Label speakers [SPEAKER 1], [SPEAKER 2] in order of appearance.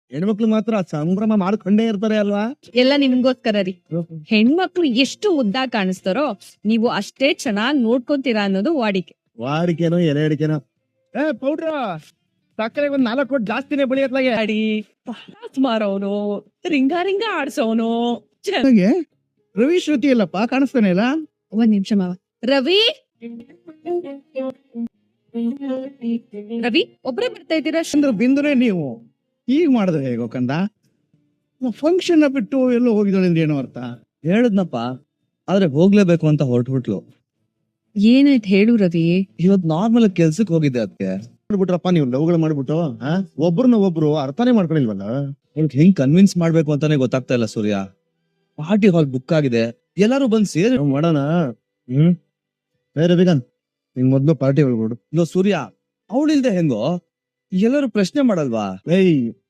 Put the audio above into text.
[SPEAKER 1] ಹೆಣ್ಮಕ್ಳು ಮಾತ್ರ ಸಂಭ್ರಮ ಮಾಡ್ಕೊಂಡೇ ಇರ್ತಾರೆ ಅಲ್ವಾ.
[SPEAKER 2] ಎಲ್ಲ ನಿಮ್ಗೋಸ್ಕರ ರೀ. ಹೆಣ್ಮಕ್ಳು ಎಷ್ಟು ಮುದ್ದಾಗ್ ಕಾಣಿಸ್ತಾರೋ ನೀವು ಅಷ್ಟೇ ಚೆನ್ನಾಗ್ ನೋಡ್ಕೊಂತೀರಾ ಅನ್ನೋದು ವಾಡಿಕೆ.
[SPEAKER 1] ವಾಡಿಕೆನೋ ಎಲೆ ಅಡಿಕೆನೋ. ಪೌಡ್ರ ಸಕ್ಕರೆ ಒಂದ್ 4 ಕೊಟ್ಟು ಜಾಸ್ತಿನೇ ಬೆಳೆಯತ್ಲಾಗೆ.
[SPEAKER 2] ಅಡಿ ಮಾರೋನು, ರಿಂಗ ರಿಂಗ ಆಡ್ಸೋನು.
[SPEAKER 1] ರವಿ ಶ್ರುತಿ ಇಲ್ಲಪ್ಪ, ಕಾಣಿಸ್ತಾನೆ ಇಲ್ಲ.
[SPEAKER 2] ಒಂದ್ ನಿಮಿಷ ಮಾವ. ರವಿ ರವಿ ಒಬ್ರೇ ಬರ್ತಾ ಇದ್ದೀರಾ?
[SPEAKER 1] ಅಂದ್ರೆ ಬಿಂದುನೇ ನೀವು ಈಗ ಮಾಡಿದ್ರೆ ಹೇಗೋ ಕಂದ. ಫಂಕ್ಷನ್ ಬಿಟ್ಟು ಎಲ್ಲೋ ಹೋಗಿದ್ದಾಳೆ ಏನೋ ಅರ್ಥ.
[SPEAKER 3] ಹೇಳದ್ನಪ್ಪ, ಆದ್ರೆ ಹೋಗ್ಲೇಬೇಕು ಅಂತ ಹೊರಟ್ಬಿಟ್ಲು.
[SPEAKER 2] ಏನಾಯ್ತು ಹೇಳು ರವಿ.
[SPEAKER 3] ಇವತ್ ನಾರ್ಮಲ್ ಕೆಲ್ಸಕ್ ಹೋಗಿದ್ದೆ ಅದಕ್ಕೆ.
[SPEAKER 1] ಮಾಡ್ಬಿಟ್ರಪ್ಪ ನೀವು ಲವ್ಗಳು ಮಾಡ್ಬಿಟ್ಟು ಒಬ್ರನ್ನ ಒಬ್ರು ಅರ್ಥನೇ ಮಾಡ್ಕೊಂಡಿಲ್ವಲ್ಲ.
[SPEAKER 3] ಅವ್ರಿಗೆ ಹೆಂಗ್ ಕನ್ವಿನ್ಸ್ ಮಾಡ್ಬೇಕು ಅಂತಾನೆ ಗೊತ್ತಾಗ್ತಾ ಇಲ್ಲ ಸೂರ್ಯ. ಪಾರ್ಟಿ ಹಾಲ್ ಬುಕ್ ಆಗಿದೆ, ಎಲ್ಲಾರು ಬಂದ್ ಸೇರಿ
[SPEAKER 1] ಮಾಡೋಣ. ರವಿಕಾಂತ್ ನಿನ್ ಮೊದ್ಲು ಪಾರ್ಟಿ ಹೇಳ್ಬಿಡು.
[SPEAKER 3] ಸೂರ್ಯ, ಅವಳಿಲ್ದೆ ಹೆಂಗೋ? ಎಲ್ಲರೂ ಪ್ರಶ್ನೆ ಮಾಡಲ್ವಾ?